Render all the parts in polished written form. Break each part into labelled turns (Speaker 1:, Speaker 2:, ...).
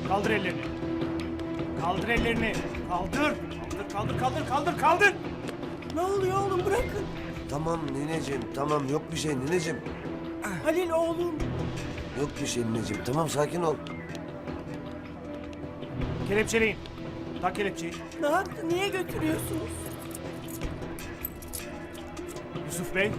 Speaker 1: Kaldır ellerini. Kaldır ellerini. Kaldır. Kaldır.
Speaker 2: Ne oluyor oğlum, bırakın.
Speaker 3: Tamam nineciğim, tamam yok bir şey nineciğim.
Speaker 2: Halil oğlum.
Speaker 3: Yok bir şey nineciğim, tamam sakin ol.
Speaker 1: Kelepçeleyin. Tak kelepçeyi.
Speaker 2: Ne yaptı, niye götürüyorsunuz?
Speaker 1: Yusuf Bey.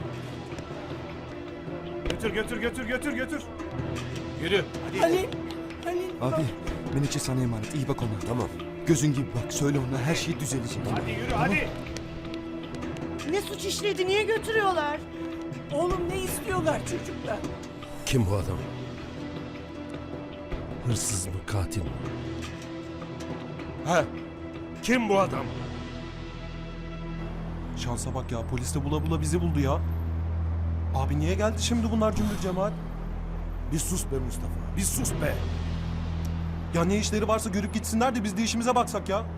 Speaker 1: Götür. Yürü. Hadi.
Speaker 2: Halil.
Speaker 4: Abi Menekşe sana emanet. İyi bak ona.
Speaker 3: Tamam.
Speaker 4: Gözün gibi bak. Söyle ona her şey düzelecek.
Speaker 1: Hadi yürü hadi.
Speaker 2: Ne suç işledi, niye götürüyorlar? Oğlum ne istiyorlar çocuklar?
Speaker 5: Kim bu adam? Hırsız mı, katil mi?
Speaker 1: He. Kim bu adam?
Speaker 6: Şansa bak ya, polis de bula bula bizi buldu ya. Abi niye geldi şimdi bunlar cümbür cemaat?
Speaker 5: Bir sus be Mustafa, bir sus be!
Speaker 6: Ya ne işleri varsa görüp gitsinler de biz de işimize baksak ya.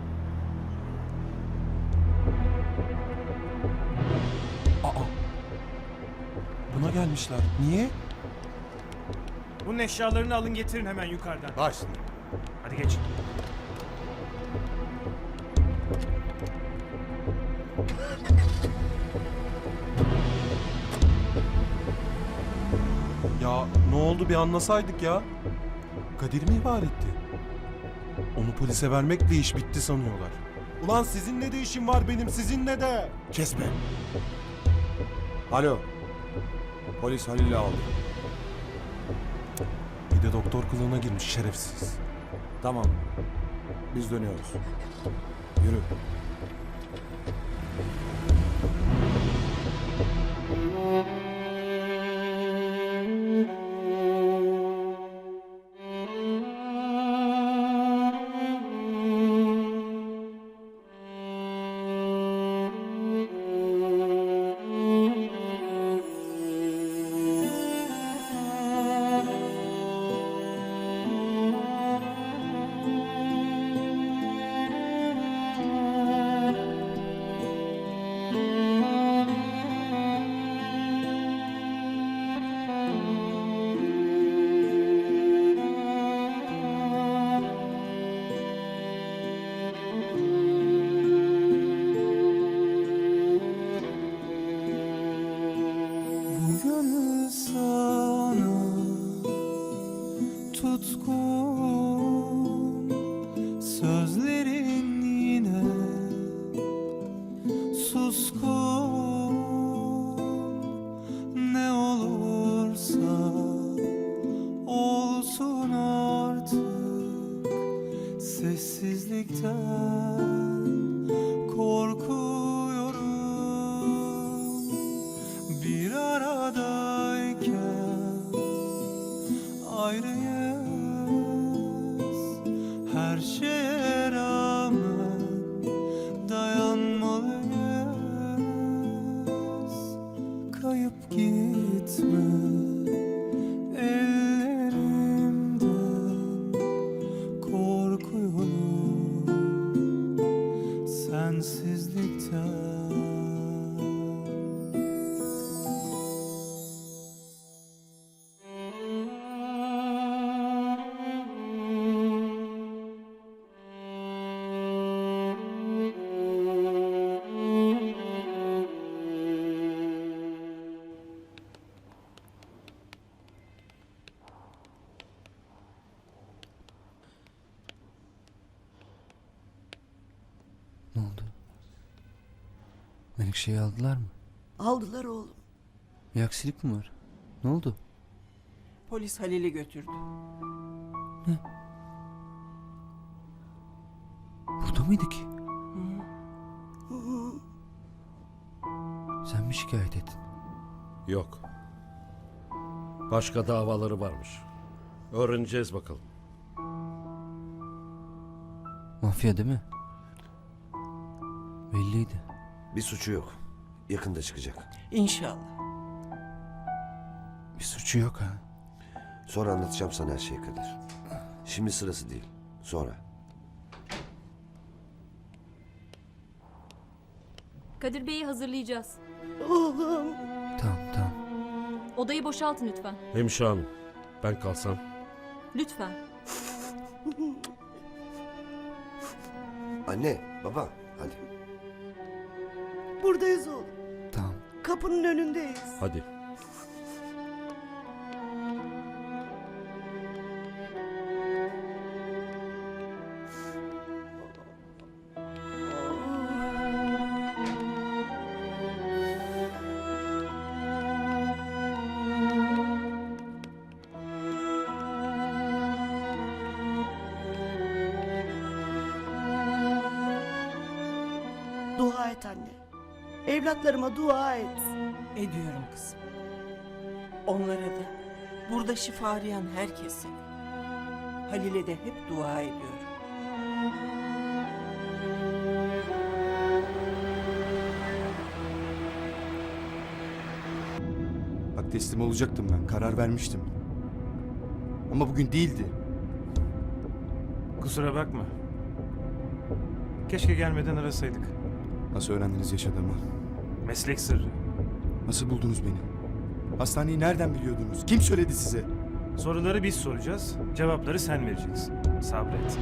Speaker 6: Aa. Buna gelmişler. Niye?
Speaker 1: Bunun eşyalarını alın getirin hemen yukarıdan.
Speaker 5: Başla.
Speaker 1: Hadi geç.
Speaker 6: Ya ne oldu bir anlasaydık ya. Kadir mi ihbar etti? Onu polise vermekle iş bitti sanıyorlar. Ulan sizinle de işim var benim, sizinle de.
Speaker 5: Kes be!
Speaker 7: Alo. Polis Halil'i aldı.
Speaker 6: Bir de doktor kılığına girmiş şerefsiz.
Speaker 7: Tamam. Biz dönüyoruz. Yürü.
Speaker 4: Bugün sana tutkun, sözlerin yine suskun. Ne olursa olsun artık, sessizlikten korkuyorum. Bir aradayken ayrıyız, her şeye rağmen dayanmalıyız. Kayıp gitme ellerimden, korkuyorum sensizlikten.
Speaker 8: Ne oldu? Menekşe'yi aldılar mı?
Speaker 2: Aldılar oğlum.
Speaker 8: Bir aksilik mi var? Ne oldu?
Speaker 2: Polis Halil'i götürdü.
Speaker 8: Burada mıydı ki? Sen mi şikayet ettin?
Speaker 5: Yok. Başka davaları varmış. Öğreneceğiz bakalım.
Speaker 8: Mafya değil mi? Belliydi.
Speaker 3: Bir suçu yok. Yakında çıkacak.
Speaker 2: İnşallah.
Speaker 8: Bir suçu yok ha.
Speaker 3: Sonra anlatacağım sana her şeyi Kadir. Şimdi sırası değil. Sonra.
Speaker 9: Kadir Bey'i hazırlayacağız.
Speaker 2: Oğlum.
Speaker 8: Tamam.
Speaker 9: Odayı boşaltın lütfen.
Speaker 5: Hemşire hanım, ben kalsam.
Speaker 9: Lütfen.
Speaker 3: Anne, baba, hadi.
Speaker 2: Buradayız oğlum.
Speaker 8: Tamam.
Speaker 2: Kapının önündeyiz.
Speaker 5: Hadi.
Speaker 2: Dua et anne. Evlatlarıma dua et.
Speaker 10: Ediyorum kızım. Onlara da, burada şifa arayan herkese. Halil'e de hep dua ediyorum.
Speaker 11: Bak teslim olacaktım ben. Karar vermiştim. Ama bugün değildi.
Speaker 1: Kusura bakma. Keşke gelmeden arasaydık.
Speaker 11: Nasıl öğrendiniz yaşadığımı?
Speaker 1: Meslek sırrı.
Speaker 11: Nasıl buldunuz beni? Hastaneyi nereden biliyordunuz? Kim söyledi size?
Speaker 1: Soruları biz soracağız, cevapları sen vereceksin. Sabret.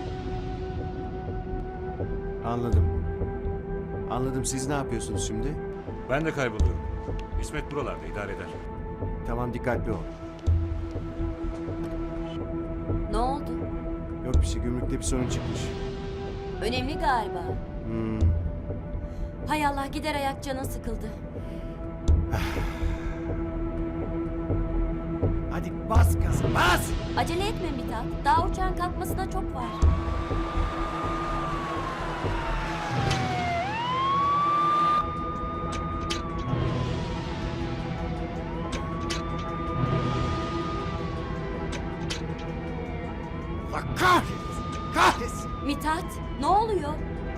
Speaker 7: Anladım. Anladım. Siz ne yapıyorsunuz şimdi?
Speaker 12: Ben de kayboluyorum. İsmet buralarda idare eder.
Speaker 7: Tamam, dikkatli ol.
Speaker 9: Ne oldu?
Speaker 7: Yok bir şey. Gümrükte bir sorun çıkmış.
Speaker 9: Önemli galiba.
Speaker 7: Hmm.
Speaker 9: Hay Allah, gider ayak, canın sıkıldı.
Speaker 7: Hadi bas gaza, bas!
Speaker 9: Acele etme Mithat. Daha uçağın kalkmasına çok var.
Speaker 7: Allah kahretsin! Kahretsin!
Speaker 9: Mithat, ne oluyor?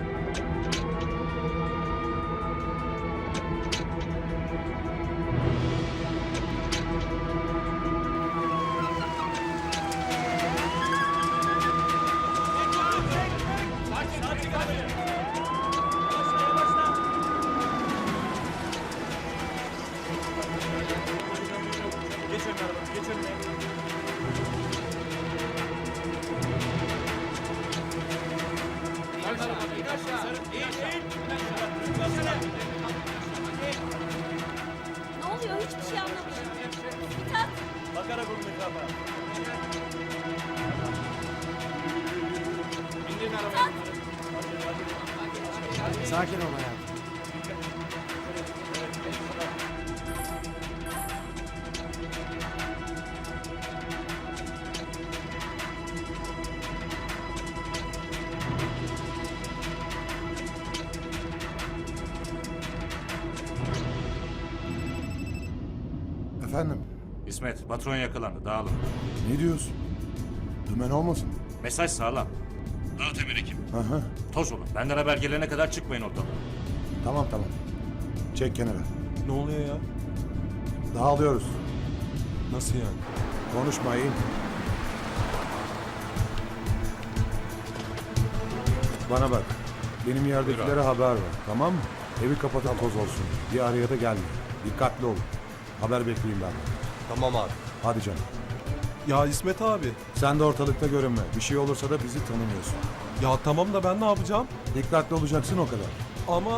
Speaker 9: Ne oluyor? Hiçbir şey anlamıyorum. Mithat!
Speaker 7: Sakin ol hayatım.
Speaker 13: Efendim,
Speaker 12: İsmet, patron yakalandı. Dağılın.
Speaker 13: ne diyorsun? Dümen olmasın?
Speaker 12: Mesaj sağlam. Dağıt emir ekip.
Speaker 13: Hı hı.
Speaker 12: Toz olun. Benden haber gelene kadar çıkmayın oradan.
Speaker 13: Tamam tamam. Çek kenara.
Speaker 6: Ne oluyor ya?
Speaker 13: Dağılıyoruz.
Speaker 6: Nasıl yani?
Speaker 13: Konuşmayın. Bana bak. Benim yerdekilere haber ver. Tamam mı? Evi kapatın, toz olsun. Bir araya da gelme. Dikkatli olun. Haber bekleyin benden.
Speaker 11: Tamam abi.
Speaker 13: Hadi canım.
Speaker 6: Ya İsmet abi.
Speaker 13: Sen de ortalıkta görünme. Bir şey olursa da bizi tanımıyorsun.
Speaker 6: Ya tamam da ben ne yapacağım?
Speaker 13: Dikkatli olacaksın o kadar.
Speaker 6: Ama...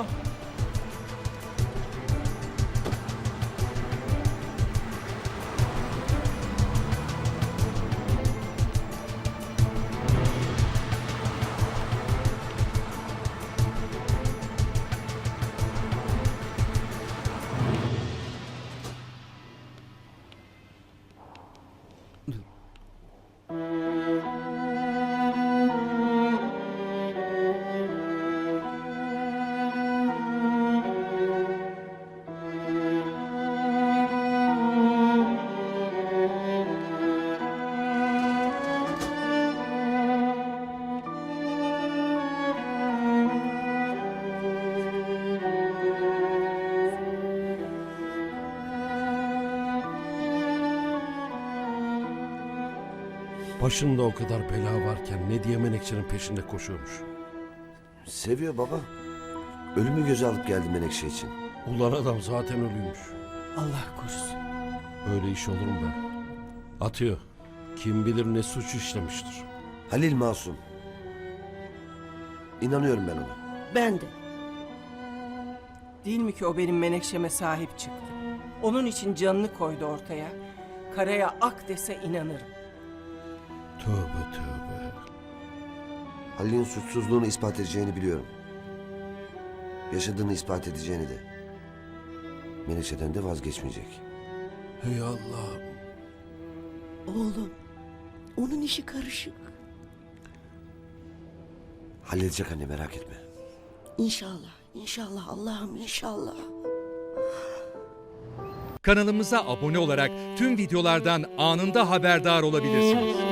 Speaker 5: Başında o kadar bela varken ne diye Menekşe'nin peşinde koşuyormuş.
Speaker 3: Seviyor baba. Ölümü göze alıp geldi Menekşe için.
Speaker 5: Ulan adam zaten ölüymüş.
Speaker 10: Allah korusun.
Speaker 5: Öyle iş olur mu be? Atıyor. Kim bilir ne suç işlemiştir.
Speaker 3: Halil masum. İnanıyorum ben ona.
Speaker 10: Ben de. Değil mi ki o benim Menekşe'me sahip çıktı? Onun için canını koydu ortaya. Karaya ak dese inanırım.
Speaker 5: Tövbe tövbe.
Speaker 3: Halil'in suçsuzluğunu ispat edeceğini biliyorum. Yaşadığını ispat edeceğini de. Menekşe'den de vazgeçmeyecek.
Speaker 5: Hey Allah'ım.
Speaker 2: Oğlum, onun işi karışık.
Speaker 3: Halledecek anne, merak etme.
Speaker 2: İnşallah, inşallah Allah'ım inşallah.
Speaker 14: Kanalımıza abone olarak tüm videolardan anında haberdar olabilirsiniz.